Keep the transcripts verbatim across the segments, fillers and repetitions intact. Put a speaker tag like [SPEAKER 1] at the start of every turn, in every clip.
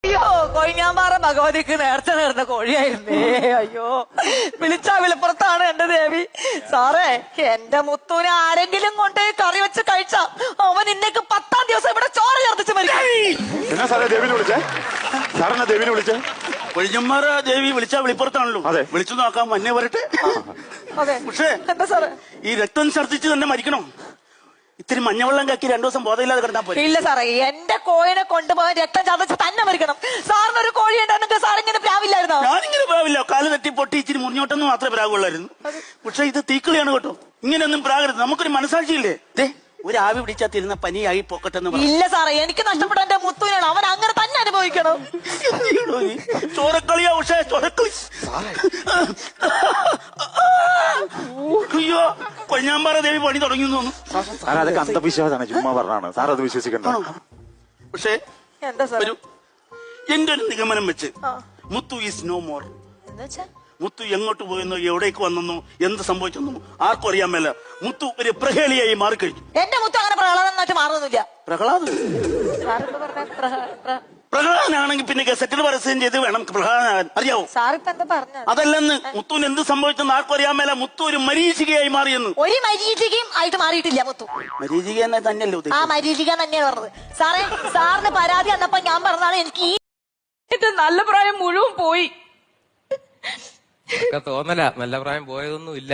[SPEAKER 1] അയ്യോ കൊഴിഞ്ഞാമ്പാറ ഭഗവതിക്ക് നേരത്തെ നേർന്ന കോഴിയായിരുന്നേ. അയ്യോ വിളിച്ചാ വിളിപ്പുറത്താണ് എന്റെ ദേവി. സാറേ എന്റെ മുത്തൂനെ ആരെങ്കിലും കൊണ്ട് കറി വെച്ച് കഴിച്ചാ അവൻ ഇന്നേക്ക് പത്താം ദിവസം ഇവിടെ ചോര ചേർത്തിച്ച് മരിക്കും.
[SPEAKER 2] എന്നാ സാറേ ദേവിനെ വിളിച്ചേ? സാറെന്നാ ദേവിനെ വിളിച്ചേ?
[SPEAKER 3] കൊഴിഞ്ഞമ്മാറ ദേവി വിളിച്ചാ വിളിപ്പുറത്താണല്ലോ.
[SPEAKER 2] അതെ,
[SPEAKER 3] വിളിച്ചു നോക്കാം, മഞ്ഞ വരട്ടെ.
[SPEAKER 1] അതെ
[SPEAKER 3] പക്ഷേ
[SPEAKER 1] എന്താ സാറേ
[SPEAKER 3] ഈ രക്തം ഛർദ്ദിച്ച് തന്നെ മരിക്കണം? ഇത്തിരി മഞ്ഞവെള്ളം കക്കി രണ്ടു ദിവസം ബോധമില്ലാതെ കിടന്നാ പോയി.
[SPEAKER 1] ഇല്ല സാറേ, എന്റെ കോഴിനെ കൊണ്ടുപോകാൻ രക്തം ചതച്ച് തന്നെ മരിക്കണം. സാറിന് ഒരു കോഴി ഉണ്ടെങ്കിൽ സാറിങ്ങനെ പ്രാവില്ലായിരുന്നോ?
[SPEAKER 3] ഞാനിങ്ങനെ പ്രാവില്ല, കാല് തട്ടി പൊട്ടി ഇച്ചിരി മുറിഞ്ഞോട്ടെന്ന് മാത്രമേ പ്രാവുള്ളായിരുന്നു. പക്ഷെ ഇത് തീക്കളിയാണ് കേട്ടോ, ഇങ്ങനെയൊന്നും പ്രാകരുത്. നമുക്കൊരു മനസാക്ഷിയില്ലേ? ദേ ഒരു ആവി പിടിച്ചാ തിരുന്ന പനിയായി പോക്കട്ടെന്ന് പറഞ്ഞു.
[SPEAKER 1] ഇല്ല സാറേ, എനിക്ക് നഷ്ടപ്പെട്ട എന്റെ മുത്തൂനാണ്, അവൻ അങ്ങനെ തന്നെ അനുഭവിക്കണം.
[SPEAKER 3] ചോരക്കളിയാ പക്ഷേ ചോരക്കളി. അയ്യോ കൊഴിഞ്ഞാമ്പാറ ദേവി പണി തുടങ്ങി തോന്നുന്നു.
[SPEAKER 2] സാർ അതൊക്കെ അന്ധവിശ്വാസമാണ്, ചുമ്മാ പറഞ്ഞാണ്. സാർ അത് വിശ്വസിക്കണ്ട.
[SPEAKER 3] പക്ഷേ
[SPEAKER 1] എന്താ സാർ
[SPEAKER 3] എന്റെ ഒരു നിഗമനം വെച്ച് Muthu is no more. Muthu എങ്ങോട്ട് പോയെന്നോ എവിടേക്ക് വന്നെന്നോ എന്ത് സംഭവിച്ചെന്നോ ആർക്കും അറിയാൻ മേല. മുത്തു ഒരു പ്രഹേളിയായി മാറിക്കഴിഞ്ഞു.
[SPEAKER 1] എന്റെ മുത്തു അങ്ങനെ പ്രഹ്ലാദം മാറുന്നില്ല.
[SPEAKER 3] പ്രഹ്ലാദ് പ്രഹ്ലാദനാണെങ്കിൽ പിന്നെ ഗസറ്റിൽ പരസ്യം ചെയ്ത് വേണം പ്രഹ്ലാദനാകാൻ, അറിയാവോ? അതല്ലെന്ന് മുത്തുവിന് എന്ത് സംഭവിച്ചെന്ന് ആർക്കും അറിയാൻ മേല. മുത്തു ഒരു മരീചികയായി മാറിയെന്ന്.
[SPEAKER 1] ഒരു മരീചികയും ആയിട്ട് മാറിയിട്ടില്ല മുത്തു.
[SPEAKER 3] മരീചിക എന്നെ തന്നെയല്ലോ.
[SPEAKER 1] ആ മരീചിക തന്നെയാണ് പറഞ്ഞത്. സാറേ സാറിന് പരാതി വന്നപ്പോ ഞാൻ പറഞ്ഞതാണ് എനിക്ക് ഈ നല്ല പ്രായം മുഴുവൻ പോയി.
[SPEAKER 4] തോന്നല നല്ല പ്രായം പോയതൊന്നും ഇല്ല.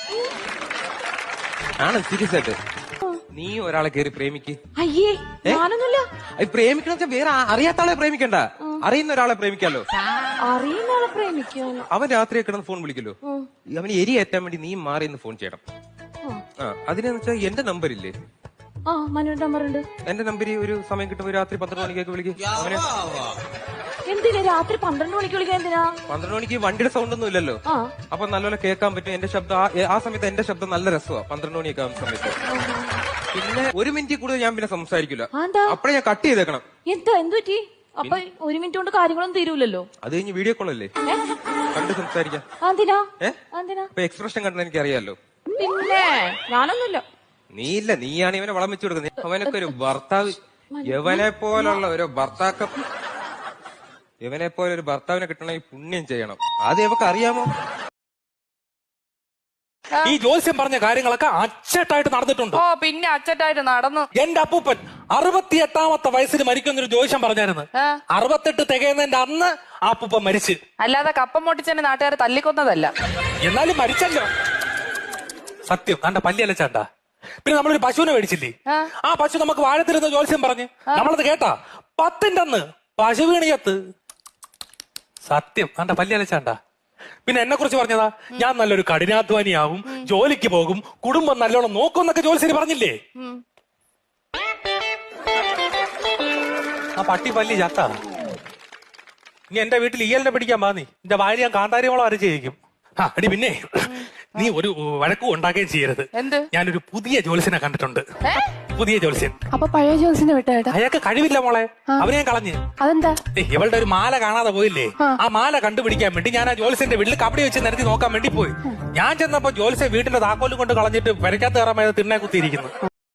[SPEAKER 4] ആണ് സീരിയസ് ആയിട്ട് നീ ഒരാളെ കയറി പ്രേമിക്ക്.
[SPEAKER 5] അയ്യേ ഞാനൊന്നുമില്ല.
[SPEAKER 4] പ്രേമിക്കണ വെച്ചാൽ വേറെ അറിയാത്ത ആളെ പ്രേമിക്കണ്ട, അറിയുന്ന ഒരാളെ പ്രേമിക്കാലോ.
[SPEAKER 5] അറിയുന്ന ആളെ പ്രേമിക്കാലോ.
[SPEAKER 4] അവൻ രാത്രി കിടന്ന് ഫോൺ വിളിക്കല്ലോ, അവന് എരി ഏറ്റാൻ വേണ്ടി നീ മാറി നിന്ന് ഫോൺ ചെയ്യണം. ആ അതിനെന്ന് വെച്ചാൽ എന്റെ നമ്പർ ഇല്ലേ?
[SPEAKER 5] ആ മനുവിന്റെ നമ്പർ ഉണ്ട്.
[SPEAKER 4] എന്റെ നമ്പര് ഒരു സമയം കിട്ടുമ്പോ രാത്രി പന്ത്രണ്ട് മണിക്കൊക്കെ വിളിക്കും. അങ്ങനെ
[SPEAKER 5] എന്തിനാ രാത്രി പന്ത്രണ്ട് മണിക്ക് വിളിക്കാൻ? എന്തിനാ?
[SPEAKER 4] പന്ത്രണ്ട് മണിക്ക് വണ്ടിയുടെ സൗണ്ട് ഒന്നും ഇല്ലല്ലോ, അപ്പൊ നല്ലപോലെ കേൾക്കാൻ പറ്റും എന്റെ ശബ്ദം. ആ സമയത്ത് എന്റെ ശബ്ദം നല്ല രസമാണ് പന്ത്രണ്ട് മണിയൊക്കെ ആവുന്ന സമയത്ത്. പിന്നെ ഒരു മിനിറ്റ് കൂടുതൽ ഞാൻ പിന്നെ സംസാരിക്കില്ല, അപ്പഴേ ഞാൻ കട്ട് ചെയ്തേക്കണം.
[SPEAKER 5] എന്താ എന്ത് പറ്റി? അപ്പൊ ഒരു മിനിറ്റ് കൊണ്ട് കാര്യങ്ങളൊന്നും തീരൂലല്ലോ.
[SPEAKER 4] അത് കഴിഞ്ഞ് വീഡിയോ കോൾ അല്ലേ, കണ്ട് സംസാരിക്കാം. ഇപ്പൊ എക്സ്പ്രഷൻ കണ്ടെന്ന് എനിക്ക് അറിയാലോ.
[SPEAKER 5] പിന്നെ ഞാനൊന്നുമില്ല.
[SPEAKER 4] നീ ഇല്ല, നീയാണ് ഇവനെ വളം വെച്ചു കൊടുക്കുന്നത്. അവനൊക്കെ ഒരു ഭർത്താവ്, യവനെ പോലുള്ള ഒരു ഭർത്താക്ക ഇവനെ പോലെ ഒരു ഭർത്താവിനെ കിട്ടണമെങ്കിൽ പുണ്യം ചെയ്യണം. അത് ഇവക്ക് അറിയാമോ?
[SPEAKER 6] ഈ ജോത്സ്യം പറഞ്ഞ കാര്യങ്ങളൊക്കെ അച്ചട്ടായിട്ട് നടന്നിട്ടുണ്ട്.
[SPEAKER 7] ഓ പിന്നെ അച്ചട്ടായിട്ട് നടന്നു.
[SPEAKER 6] എന്റെ അപ്പൂപ്പൻ അറുപത്തിയെട്ടാമത്തെ വയസ്സിൽ മരിക്കുന്നൊരു ജോത്സ്യം പറഞ്ഞായിരുന്നു. അറുപത്തെട്ട് തികയുന്നതിന്റെ അന്ന് ആ അപ്പൂപ്പൻ മരിച്ച്.
[SPEAKER 7] അല്ലാതെ കപ്പം പൊട്ടിച്ചെന്നെ നാട്ടുകാരെ തല്ലിക്കൊന്നതല്ല.
[SPEAKER 6] എന്നാലും മരിച്ചല്ലോ. സത്യം കണ്ട പല്ലിയല്ല ചേട്ടാ. പിന്നെ നമ്മളൊരു പശുവിനെ മേടിച്ചില്ലേ, ആ പശു നമുക്ക് വാഴത്തിരുന്ന ജോത്സ്യം പറഞ്ഞ് നമ്മളത് കേട്ടാ. പത്തിന്റെ അന്ന് പശു വീണിയത്ത്. സത്യം കണ്ട പല്ലിയല്ല ചേട്ടാ. പിന്നെ എന്നെ കുറിച്ച് പറഞ്ഞതാ, ഞാൻ നല്ലൊരു കഠിനാധ്വാനിയാവും, ജോലിക്ക് പോകും, കുടുംബം നല്ലോണം നോക്കും എന്നൊക്കെ ജോലിശ്ശേരി പറഞ്ഞില്ലേ. ആ പട്ടി പല്ലി ചത്ത. ഇനി എന്റെ വീട്ടിൽ ഈയലിനെ പിടിക്കാൻ പാ നീ. എന്റെ ഭാര്യ ഞാൻ കാന്താരിയോളം അരച്ച് ചെയ്യിക്കും. ആ അടി പിന്നെ നീ ഒരു വഴക്കും ഉണ്ടാക്കുകയും ചെയ്യരുത്. ഞാനൊരു പുതിയ ജോലിസിനെ കണ്ടിട്ടുണ്ട്. പുതിയ ജോലിസ്യൻ.
[SPEAKER 5] അപ്പൊ പഴയ ജോലിസിനെ വിട്ടേട്ടാ?
[SPEAKER 6] അയാൾക്ക് കഴിവില്ല മോളെ, അവനെ ഞാൻ കളഞ്ഞ്.
[SPEAKER 5] അതെന്താ?
[SPEAKER 6] ഇവളുടെ ഒരു മാല കാണാതെ പോയില്ലേ, ആ മാല കണ്ടുപിടിക്കാൻ വേണ്ടി ഞാൻ ആ ജോലിസിന്റെ വീട്ടിൽ കബഡി വെച്ച് നിരത്തി നോക്കാൻ വേണ്ടി പോയി. ഞാൻ ചെന്നപ്പോ ജോലിസ്യൻ വീട്ടിന്റെ താക്കോലും കൊണ്ട് കളഞ്ഞിട്ട് വരയ്ക്കാത്ത കയറാൻ തിണ്ണെ കുത്തിയിരിക്കുന്നു.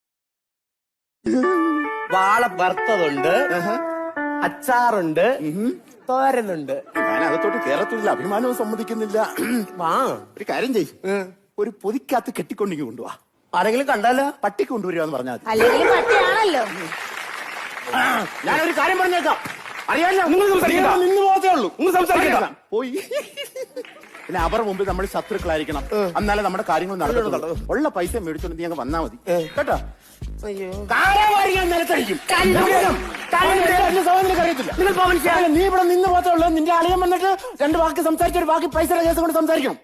[SPEAKER 8] വാള വറുത്തതുണ്ട്, അച്ചാറുണ്ട്, തോരനുണ്ട്.
[SPEAKER 2] ഞാൻ അകത്തോട്ട് കേരളത്തിലുള്ള അഭിമാനവും സമ്മതിക്കുന്നില്ല.
[SPEAKER 8] വാ
[SPEAKER 2] ഒരു കാര്യം ചെയ്യ്, ഒരു പൊതിക്കകത്ത് കെട്ടിക്കൊണ്ടെങ്കിൽ കൊണ്ടുപോവാ.
[SPEAKER 8] ആരെങ്കിലും കണ്ടാലോ?
[SPEAKER 2] പട്ടിക്ക് കൊണ്ടുവരിക പറഞ്ഞാൽ മതി.
[SPEAKER 1] അല്ലെങ്കിൽ പട്ടിയാണല്ലോ.
[SPEAKER 8] ഞാനൊരു കാര്യം പറഞ്ഞേക്കാം, അറിയാലോ. നിങ്ങൾ സംസാരിക്കണം, നിന്ന് പോകത്തേ ഉള്ളൂ. നിങ്ങൾ സംസാരിക്കണം
[SPEAKER 2] പോയി. പിന്നെ അവരുടെ മുമ്പിൽ നമ്മൾ ശത്രുക്കളായിരിക്കണം, എന്നാലേ നമ്മുടെ കാര്യങ്ങൾ നടക്കുള്ളൂ. ഉള്ള പൈസ മേടിച്ചോണ്ട് നീ അങ്ങ് വന്നാ മതി കേട്ടോ.
[SPEAKER 8] നിലത്തടിക്കും.
[SPEAKER 2] നീ ഇവിടെ നിന്ന് പോകത്തേ ഉള്ളൂ. നിന്റെ അളിയൻ വന്നിട്ട് രണ്ട് വാക്ക് സംസാരിച്ചൊരു ബാക്കി പൈസ കേസ് കൊണ്ട് സംസാരിക്കണം.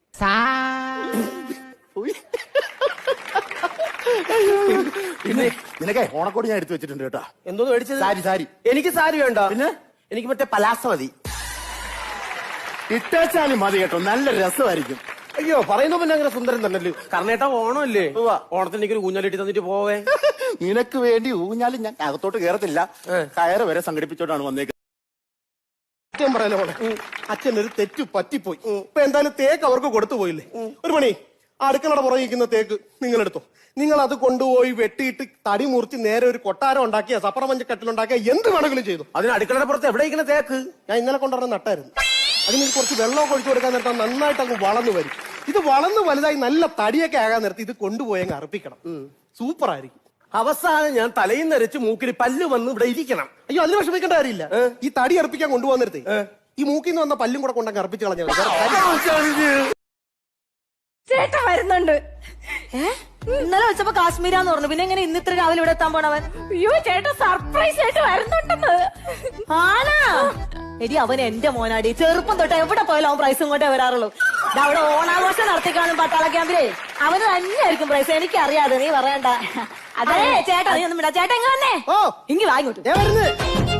[SPEAKER 2] പിന്നെ നിനക്കേ ഓണക്കോടി ഞാൻ എടുത്തു വെച്ചിട്ടുണ്ട് കേട്ടോ.
[SPEAKER 8] എന്തോന്ന് മേടിച്ചത്?
[SPEAKER 2] സാരി. സാരി
[SPEAKER 8] എനിക്ക് സാരി വേണ്ട.
[SPEAKER 2] പിന്നെ
[SPEAKER 8] എനിക്ക് മറ്റേ പലാസ മതി.
[SPEAKER 2] ഇട്ടാച്ചാലും മതി കേട്ടോ, നല്ല രസമായിരിക്കും.
[SPEAKER 8] അയ്യോ പറയുമ്പോ പിന്നെ അങ്ങനെ സുന്ദരം തന്നല്ലോ. കർണേട്ട ഓണമല്ലേ, ഓണത്തിന് എനിക്കൊരു ഊഞ്ഞാലിട്ട് തന്നിട്ട് പോവേ.
[SPEAKER 2] നിനക്ക് വേണ്ടി ഊഞ്ഞാലും ഞാൻ അകത്തോട്ട് കയറത്തില്ല, കയറ് വരെ സംഘടിപ്പിച്ചോട്ടാണ് വന്നേക്കുന്നത്.
[SPEAKER 8] സത്യം പറയാനോ, അച്ഛൻ ഒരു തെറ്റു പറ്റിപ്പോയി. ഇപ്പൊ എന്തായാലും തേക്ക് അവർക്ക് കൊടുത്തു പോയില്ലേ. ഒരു മണി അടുക്കളയുടെ പുറകെ ഇരിക്കുന്ന തേക്ക് നിങ്ങൾ എടുത്തോ. നിങ്ങൾ അത് കൊണ്ടുപോയി വെട്ടിയിട്ട് തടി മുറിച്ച് നേരെ ഒരു കൊട്ടാരം ഉണ്ടാക്കിയ സപ്പറ മഞ്ചക്കട്ടിലുണ്ടാക്കിയ എന്ത് വേണമെങ്കിലും ചെയ്തു.
[SPEAKER 2] അതിന് അടുക്കളയുടെ പുറത്ത് എവിടെ ഇരിക്കുന്ന തേക്ക്?
[SPEAKER 8] ഞാൻ ഇന്നലെ കൊണ്ടുവരുന്ന നട്ടായിരുന്നു. അതിന് കുറച്ച് വെള്ളമൊക്കെ ഒഴിച്ചു കൊടുക്കാൻ നേരത്തെ നന്നായിട്ട് അങ്ങ് വളർന്നു വരും. ഇത് വളർന്ന് വലുതായി നല്ല തടിയൊക്കെ ആകാൻ നേരത്തെ ഇത് കൊണ്ടുപോയി അങ്ങ് അർപ്പിക്കണം. സൂപ്പർ ആയിരിക്കും.
[SPEAKER 2] അവസാനം ഞാൻ തലയിൽ നരച്ച് മൂക്കിന് പല്ല് വന്ന് ഇവിടെ ഇരിക്കണം.
[SPEAKER 8] അയ്യോ അതിന് വിഷമിക്കേണ്ട കാര്യമില്ല. ഈ തടി അർപ്പിക്കാൻ കൊണ്ടുപോകാൻ നേരത്തെ ഈ മൂക്കിൽ നിന്ന് വന്ന പല്ലും കൂടെ കൊണ്ടങ്ങ് അർപ്പിച്ച് കളഞ്ഞാൽ മതി. വേറെ കാര്യം-
[SPEAKER 1] ചേട്ടാ വരുന്നുണ്ട്. ഏ ഇന്നലെ വെച്ചപ്പോ കാശ്മീരാന്ന് പറഞ്ഞു. പിന്നെ എങ്ങനെ ഇന്ന് ഇത്ര രാവിലെ ഇവിടെ എത്താൻ പോണവൻ?
[SPEAKER 5] അയ്യോ ചേട്ടാ സർപ്രൈസ് ആയിട്ട് വരുന്നുണ്ടെന്ന്.
[SPEAKER 1] ആനാ എടി അവൻ എന്റെ മോനാടി. ചെറുപ്പം തൊട്ട് എവിടെ പോയാലും അവൻ പ്രൈസും കൊണ്ടേ വരാറുള്ളൂ. ദാ അവിടെ ഓണാഘോഷം നടത്തിക്കാണും പട്ടാള ക്യാമ്പിലേ അവന് തന്നെയായിരിക്കും പ്രൈസ്. എനിക്ക് അറിയാതെ നീ പറയണ്ട. അതെ ചേട്ടാ നീ ഒന്നും വിടാ. ചേട്ടാ എങ്ങനെ വന്നേ?
[SPEAKER 8] ഓ
[SPEAKER 1] ഇങ്ങി വാങ്ങിട്ടു.
[SPEAKER 8] ദേ വരുന്നു.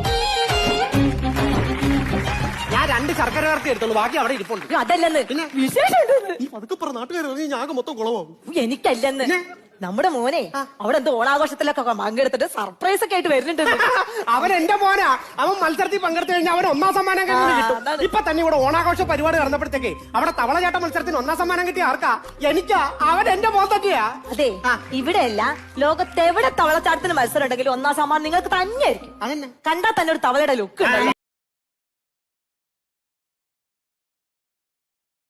[SPEAKER 8] ഞാൻ രണ്ട് ശർക്കര വരട്ടി എടുത്തോളൂ, ബാക്കി അവിടെ ഇരിപ്പുണ്ട്.
[SPEAKER 1] അതല്ലെന്ന് വിശേഷം ഉണ്ടെന്ന്.
[SPEAKER 8] ഈ പതുക്കെ പറ, നാട്ടുകാർ ഞാൻ മൊത്തം കുളമാവും.
[SPEAKER 1] എനിക്കല്ലെന്ന് നമ്മുടെ മോനെ അവിടെ എന്തോ ഓണാഘോഷത്തിലൊക്കെ പങ്കെടുത്തിട്ട് സർപ്രൈസ് ഒക്കെ ആയിട്ട് വരുന്നുണ്ട്.
[SPEAKER 8] അവൻ എന്റെ മോനാ. അവൻ മത്സരത്തിൽ പങ്കെടുത്തു കഴിഞ്ഞാൽ അവൻ ഒന്നാം സമ്മാനം കിട്ടും. ഇപ്പൊ തന്നെ ഇവിടെ ഓണാഘോഷ പരിപാടി നടന്നപ്പോഴത്തേക്ക് അവിടെ തവളചാട്ട മത്സരത്തിന് ഒന്നാം സമ്മാനം കിട്ടിയ ആർക്കാ? എനിക്കാ. അവൻ എന്റെ മോൻ തന്നെയാ.
[SPEAKER 1] അതെ ഇവിടെയല്ല ലോകത്തെവിടെ തവളച്ചാട്ടത്തിന് മത്സരം ഉണ്ടെങ്കിലും ഒന്നാം സമ്മാനം നിങ്ങൾക്ക് തന്നെയായിരിക്കും.
[SPEAKER 8] അതന്നെ
[SPEAKER 1] കണ്ടാൽ തന്നെ ഒരു തവളയുടെ ലുക്ക് ഉണ്ടല്ലോ.